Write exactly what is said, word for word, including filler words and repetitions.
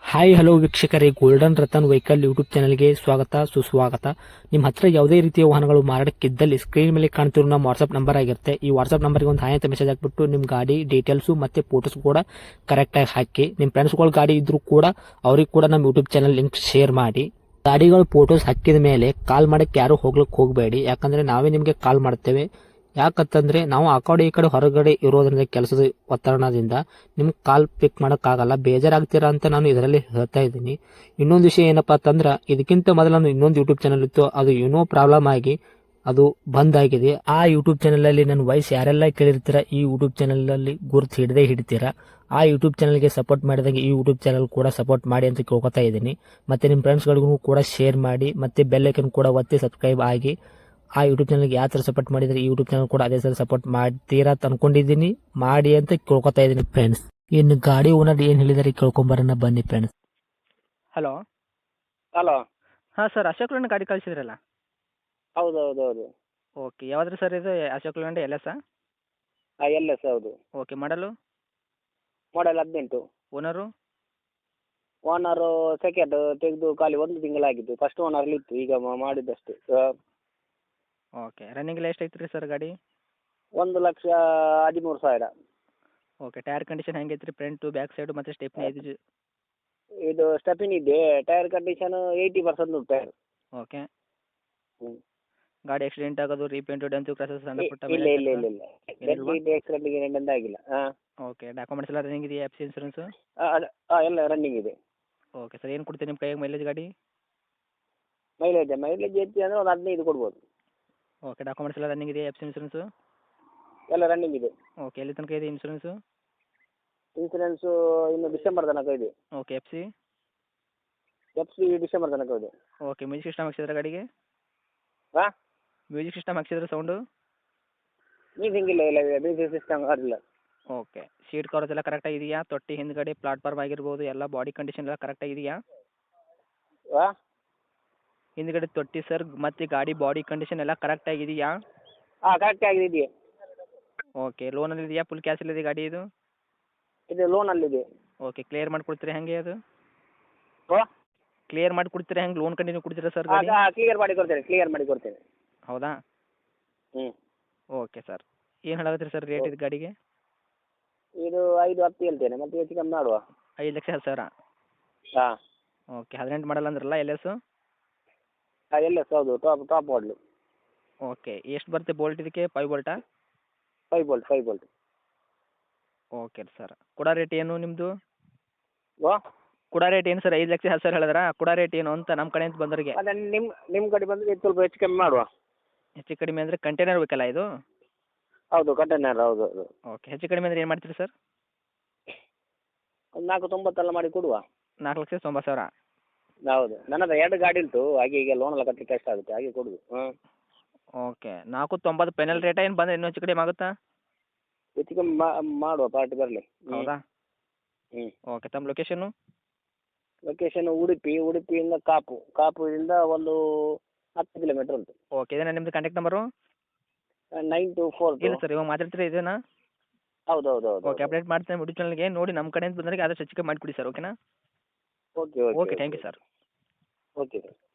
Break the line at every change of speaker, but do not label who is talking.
Hi hello ವೀಕ್ಷಕರೇ, golden Ratan vehicle YouTube ಚಾನಲ್ಗೆ ಸ್ವಾಗತ ಸುಸ್ವಾಗತ. ನಿಮ್ಮ ಹತ್ರ ಯಾವುದೇ ರೀತಿಯ ವಾಹನಗಳು ಮಾರಾಟಕ್ಕಿದ್ದಲ್ಲಿ ಸ್ಕ್ರೀನ್ ಮೇಲೆ ಕಾಣ್ತಿರೋ ನಮ್ಮ ವಾಟ್ಸ್ಆಪ್ ನಂಬರ್ ಆಗಿರುತ್ತೆ. ಈ ವಾಟ್ಸ್ಆಪ್ ನಂಬರ್ಗೆ ಒಂದು ಹಾಯ್ ಅಂತ ಮೆಸೇಜ್ ಹಾಕ್ಬಿಟ್ಟು ನಿಮ್ಮ ಗಾಡಿ ಡೀಟೇಲ್ಸು ಮತ್ತೆ ಫೋಟೋಸ್ ಕೂಡ ಕರೆಕ್ಟಾಗಿ ಹಾಕಿ. ನಿಮ್ಮ ಫ್ರೆಂಡ್ಸ್ಗಳ ಗಾಡಿ ಇದ್ರೂ ಕೂಡ ಅವ್ರಿಗೆ ಕೂಡ ನಮ್ಮ ಯೂಟ್ಯೂಬ್ ಚಾನಲ್ ಲಿಂಕ್ ಶೇರ್ ಮಾಡಿ. ಗಾಡಿಗಳು ಫೋಟೋಸ್ ಹಾಕಿದ ಮೇಲೆ ಕಾಲ್ ಮಾಡಕ್ಕೆ ಯಾರು ಹೋಗ್ಲಿಕ್ಕೆ ಹೋಗಬೇಡಿ, ಯಾಕಂದ್ರೆ ನಾವೇ ನಿಮಗೆ ಕಾಲ್ ಮಾಡ್ತೇವೆ. ಯಾಕಂತಂದ್ರೆ ನಾವು ಆ ಕಡೆ ಈ ಕಡೆ ಹೊರಗಡೆ ಇರೋದ್ರಿಂದ ಕೆಲಸದ ಒತ್ತಡದಿಂದ ನಿಮ್ಗೆ ಕಾಲ್ ಪಿಕ್ ಮಾಡೋಕ್ಕಾಗಲ್ಲ, ಬೇಜಾರಾಗ್ತೀರಾ ಅಂತ ನಾನು ಇದರಲ್ಲಿ ಹೇಳ್ತಾ ಇದ್ದೀನಿ. ಇನ್ನೊಂದು ವಿಷಯ ಏನಪ್ಪಾ ಅಂತಂದ್ರೆ, ಇದಕ್ಕಿಂತ ಮೊದಲು ನಾನು ಇನ್ನೊಂದು ಯೂಟ್ಯೂಬ್ ಚಾನಲ್ ಇತ್ತು, ಅದು ಏನೋ ಪ್ರಾಬ್ಲಮ್ ಆಗಿ ಅದು ಬಂದ್ ಆಗಿದೆ. ಆ ಯೂಟ್ಯೂಬ್ ಚಾನಲ್ ಅಲ್ಲಿ ನನ್ನ ವಾಯ್ಸ್ ಯಾರೆಲ್ಲ ಕೇಳಿರ್ತೀರಾ, ಈ ಯೂಟ್ಯೂಬ್ ಚಾನಲ್ ಅಲ್ಲಿ ಗುರುತು ಹಿಡದೆ ಹಿಡಿತೀರಾ. ಆ ಯೂಟ್ಯೂಬ್ ಚಾನಲ್ಗೆ ಸಪೋರ್ಟ್ ಮಾಡಿದಾಗ ಈ ಯೂಟ್ಯೂಬ್ ಚಾನಲ್ ಕೂಡ ಸಪೋರ್ಟ್ ಮಾಡಿ ಅಂತ ಕೇಳ್ಕೊತಾ ಇದ್ದೀನಿ. ಮತ್ತೆ ನಿಮ್ಮ ಫ್ರೆಂಡ್ಸ್ಗಳಿಗೂ ಕೂಡ ಶೇರ್ ಮಾಡಿ, ಮತ್ತೆ ಬೆಲ್ ಐಕನ್ ಕೂಡ ಒತ್ತಿ ಸಬ್ಸ್ಕ್ರೈಬ್ ಆಗಿ. ಆ ಯೂಟ್ಯೂಬ್ ಚಾನಲ್ಗೆ ಯಾವ ಥರ ಸಪೋರ್ಟ್ ಮಾಡಿದರೆ ಈ ಯೂಟ್ಯೂಬ್ ಚಾನಲ್ ಕೂಡ ಅದೇ ಥರ ಸಪೋರ್ಟ್ ಮಾಡ್ತೀರಾ ಅಂತ ಅನ್ಕೊಂಡಿದ್ದೀನಿ. ಮಾಡಿ ಅಂತ ಕೇಳ್ಕೊತಾ ಇದ್ದೀನಿ ಫ್ರೆಂಡ್ಸ್. ಇನ್ನು ಗಾಡಿ ಓನರ್ ಏನು ಹೇಳಿದಾರೆ ಕೇಳ್ಕೊಂಬರೋಣ ಬನ್ನಿ ಫ್ರೆಂಡ್ಸ್.
ಹಲೋ.
ಹಲೋ.
ಹಾಂ ಸರ್, ಅಶೋಕ್ ಲೇಲ್ಯಾಂಡ್ ಗಾಡಿ ಕಳಿಸಿದ್ರಲ್ಲ.
ಹೌದು ಹೌದು ಹೌದು.
ಓಕೆ, ಯಾವ್ದು ಸರ್ ಇದು? Ashok Leyland L S?
ಹಾಂ ಎಲ್ ಎಸ್ ಹೌದು.
Okay, model?
ಮಾಡೆಲ್ ಹದಿನೆಂಟು.
ಓನರು?
ಓನರು ಸೆಕೆಂಡ್ ತೆಗೆದು ಖಾಲಿ ಒಂದು ತಿಂಗಳಾಗಿದ್ದು, ಫಸ್ಟ್ ಓನರ್ಲಿ ಇತ್ತು, ಈಗ ಮ- ಮಾಡಿದ್ದಷ್ಟು. ಆ,
ಓಕೆ, ರನ್ನಿಂಗ್ ಎಲ್ಲ ಎಷ್ಟು ಐತ್ರಿ ಸರ್ ಗಾಡಿ?
ಒಂದು ಲಕ್ಷ ಹದಿಮೂರು ಸಾವಿರ.
ಓಕೆ, ಟೈರ್ ಕಂಡೀಷನ್ ಹೆಂಗೆ ಐತ್ರಿ? ಫ್ರಂಟು ಬ್ಯಾಕ್ ಸೈಡು ಮತ್ತು ಸ್ಟೆಪ್ನಿ ಐದು ಜಿ-
ಇದು ಸ್ಟೆಪಿನ್ ಇದೆ, ಟೈರ್ ಕಂಡೀಷನ್ ಏಯ್ಟಿ ಪರ್ಸೆಂಟ್ ಉಂಟು ಟೈರ್.
ಓಕೆ.
ಹ್ಞೂ.
ಗಾಡಿ ಆಕ್ಸಿಡೆಂಟ್ ಆಗೋದು, ರೀಪೇಂಟು, ಡೆಂತು, ಕ್ರಸಸ್, ಸಣ್ಣ ಪುಟ್ಟ
ಇಲ್ಲ ಇಲ್ಲ ಇಲ್ಲ ಇಲ್ಲ
ಏನಿಲ್ವಾ?
ಡೆಂಟ್ ಆಕ್ಸಿಡೆಂಟ್ ಗಿಡೆಂಟ್ ಆಗಿಲ್ಲ. ಹಾಂ
ಓಕೆ, ಡಾಕ್ಯುಮೆಂಟ್ಸ್ ಎಲ್ಲ ರನ್ನಿಂಗ್ ಇದೆಯಾ? F C insurance?
ಹಾಂ ಎಲ್ಲ ರನ್ನಿಂಗ್ ಇದೆ.
ಓಕೆ ಸರ್, ಏನು ಕೊಡ್ತೀರಿ ನಿಮ್ಮ ಕೈಯಾಗ ಮೈಲೇಜ್ ಗಾಡಿ?
ಮೈಲೇಜ್ ಮೈಲೇಜ್ ಹೆಚ್ಚು ಅಂದರೆ ಒಂದು ಹದಿನೈದು ಕೊಡ್ಬೋದು.
ಓಕೆ, ಡಾಕ್ಯುಮೆಂಟ್ಸ್ ಎಲ್ಲ ರನ್ನಿಂಗ್ ಇದೆಯಾ? F C insurance?
ಎಲ್ಲ ರನ್ನಿಂಗ್ ಇದೆ.
ಓಕೆ, ಎಲ್ಲಿ ತನಕ ಇದೆ ಇನ್ಸೂರೆನ್ಸು?
ಇನ್ಸೂರೆನ್ಸು ಇನ್ನು ಡಿಸೆಂಬರ್ ತನಕ ಇದೆ.
Okay, F C?
F C December ತನಕ ಇದೆ.
ಓಕೆ, ಮ್ಯೂಸಿಕ್ ಸಿಸ್ಟಮ್ ಹಾಕ್ಸಿದ್ರೆ ಗಾಡಿಗೆ?
ಹಾಂ
ಮ್ಯೂಸಿಕ್ ಸಿಸ್ಟಮ್ ಹಾಕ್ಸಿದ್ರೆ ಸೌಂಡು?
ಮ್ಯೂಸಿಕ್ ಇಲ್ಲ ಇಲ್ಲ ಮ್ಯೂಸಿಕ್ ಸಿಸ್ಟಮ್ ಆಗಿಲ್ಲ.
ಓಕೆ, ಸೀಟ್ ಕವರ್ಸ್ ಎಲ್ಲ ಕರೆಕ್ಟಾಗಿ ಇದೆಯಾ? ತೊಟ್ಟಿ ಹಿಂದ್ಗಡೆ ಪ್ಲಾಟ್ಫಾರ್ಮ್ ಆಗಿರ್ಬೋದು, ಎಲ್ಲ ಬಾಡಿ ಕಂಡೀಷನ್ ಎಲ್ಲ ಕರೆಕ್ಟಾಗಿ ಇದೆಯಾ?
ಹಾಂ
ಹಿಂದ್ಗಡೆ ತೊಟ್ಟಿ ಸರ್ ಮತ್ತು ಗಾಡಿ ಬಾಡಿ ಕಂಡೀಷನ್ ಎಲ್ಲ ಕರೆಕ್ಟಾಗಿ ಇದೆಯಾ?
ಹಾಂ ಕರೆಕ್ಟ್ ಆಗಿದೆ.
ಓಕೆ, ಲೋನಲ್ಲಿ ಇದೆಯಾ? ಫುಲ್ ಕ್ಯಾಶಲ್ಲಿದೆ ಗಾಡಿ ಇದು?
ಇದು ಲೋನಲ್ಲಿದೆ.
ಓಕೆ, ಕ್ಲಿಯರ್ ಮಾಡಿ ಕೊಡ್ತೀರಾ ಹೆಂಗೆ ಅದು?
ಓ
ಕ್ಲಿಯರ್ ಮಾಡಿ ಕೊಡ್ತೀರಾ ಹೆಂಗೆ? ಲೋನ್ ಕಂಟಿನ್ಯೂ ಕೊಡ್ತೀರಾ ಸರ್
ಹಾಂ
ಗಾಡಿ?
ಕ್ಲಿಯರ್ ಮಾಡಿ ಕೊಡ್ತೇನೆ ಕ್ಲಿಯರ್ ಮಾಡಿ ಕೊಡ್ತೇನೆ.
ಹೌದಾ?
ಹ್ಞೂ.
ಓಕೆ ಸರ್, ಏನು ಹೇಳಾಕತ್ತೀರಿ ಸರ್ ರೇಟ್ ಇದು ಗಾಡಿಗೆ?
ಇದು ಐದು ಹತ್ತು ಹೇಳ್ತೇನೆ, ಮತ್ತೆ ಹೆಚ್ಚು ಕಮ್ಮಿ ಮಾಡುವ.
ಐದು ಲಕ್ಷ ಹತ್ತು ಸಾವಿರ?
ಹಾಂ
ಓಕೆ, ಹದಿನೆಂಟು ಮಾಡಲ್ಲ ಅಂದ್ರಲ್ಲ ಎಲ್ ಎಸ್?
ಹಾಂ ಎಲ್ ಎಸ್ ಹೌದು, ಟಾಪ್ ಟಾಪ್ ಮಾಡಲು.
ಓಕೆ, ಎಷ್ಟು ಬರುತ್ತೆ ಬೋಲ್ಟ್ ಇದಕ್ಕೆ? ಫೈವ್ ಬೋಲ್ಟಾ?
Five bolt five bolt.
Okay sir, ಕೊಡೋ ರೇಟ್ ಏನು ನಿಮ್ಮದು?
ಓ
ಕೊಡೋ ರೇಟ್ ಏನು ಸರ್? ಐದು ಲಕ್ಷ ಹತ್ತು ಸಾವಿರ ಹೇಳಿದ್ರಾ? ಕೊಡೋ ರೇಟ್ ಏನು ಅಂತ ನಮ್ಮ ಕಡೆಯಿಂದ ಬಂದವರಿಗೆ?
ಅದೇ ನಿಮ್ಮ ನಿಮ್ಮ ಕಡೆ ಬಂದರೆ ಸ್ವಲ್ಪ ಹೆಚ್ಚು ಕಮ್ಮಿ ಮಾಡುವ.
ಹೆಚ್ಚು ಕಡಿಮೆ ಅಂದರೆ ಕಂಟೈನರ್ ಬೇಕಲ್ಲ ಇದು?
ಹೌದು ಕಂಟೈನರ್ ಹೌದು ಹೌದು.
ಓಕೆ, ಹೆಚ್ಚು ಕಡಿಮೆ ಅಂದರೆ ಏನು ಮಾಡ್ತೀರಿ ಸರ್?
ಒಂದು ನಾಲ್ಕು ತೊಂಬತ್ತೆಲ್ಲ ಮಾಡಿ ಕೊಡುವ.
ನಾಲ್ಕು ಲಕ್ಷ ತೊಂಬತ್ತು ಸಾವಿರ?
ಹೌದು, ನನ್ನ ಹತ್ರ ಎರಡು ಗಾಡಿ ಉಂಟು, ಹಾಗೆ ಈಗ ಲೋನ್ ಎಲ್ಲ ಕಟ್ಟಲಿಕ್ಕೆ ಕಷ್ಟ ಆಗುತ್ತೆ, ಹಾಗೆ ಕೊಡುದು. ಹಾಂ
ಓಕೆ, ನಾಲ್ಕು ತೊಂಬತ್ತು ಪೆನಲ್ ರೇಟ ಏನು ಬಂದರೆ ಇನ್ನೂ ಹೆಚ್ಚು ಕಡಿಮೆ ಆಗುತ್ತಾ?
ಹೆಚ್ಚು ಕಮ್ಮಿ ಮಾಡುವ, ಪಾರ್ಟಿ ಬರಲಿ.
ಹೌದಾ?
ಹ್ಞೂ.
ಓಕೆ, ತಮ್ಮ ಲೊಕೇಶನ್ನು?
ಲೊಕೇಶನ್ ಉಡುಪಿ, ಉಡುಪಿಯಿಂದ ಕಾಪು, ಕಾಪುವಿಂದ ಒಂದು ಹತ್ತು ಕಿಲೋಮೀಟ್ರ್ ಉಂಟು.
ಓಕೆ, ಇದೇನಾ ನಿಮ್ಮದು contact number?
Nine two four
ಇಲ್ಲ ಸರ್, ಇವಾಗ ಮಾತಾಡ್ತೀರಾ ಇದೇನಾ?
ಹೌದು ಹೌದು ಹೌದು.
ಓಕೆ, ಅಪ್ಡೇಟ್ ಮಾಡ್ತೇನೆ ಯೂಟ್ಯೂಬ್ ಚಾನಲ್ಗೆ. ನೋಡಿ ನಮ್ಮ ಕಡೆಯಿಂದ ಬಂದವರಿಗೆ ಆದಷ್ಟು ಹೆಚ್ಚು ಕಮ್ಮಿ ಮಾಡಿಕೊಡಿ ಸರ್. ಓಕೆನಾ?
Okay okay
okay, thank you sir.
Okay sir.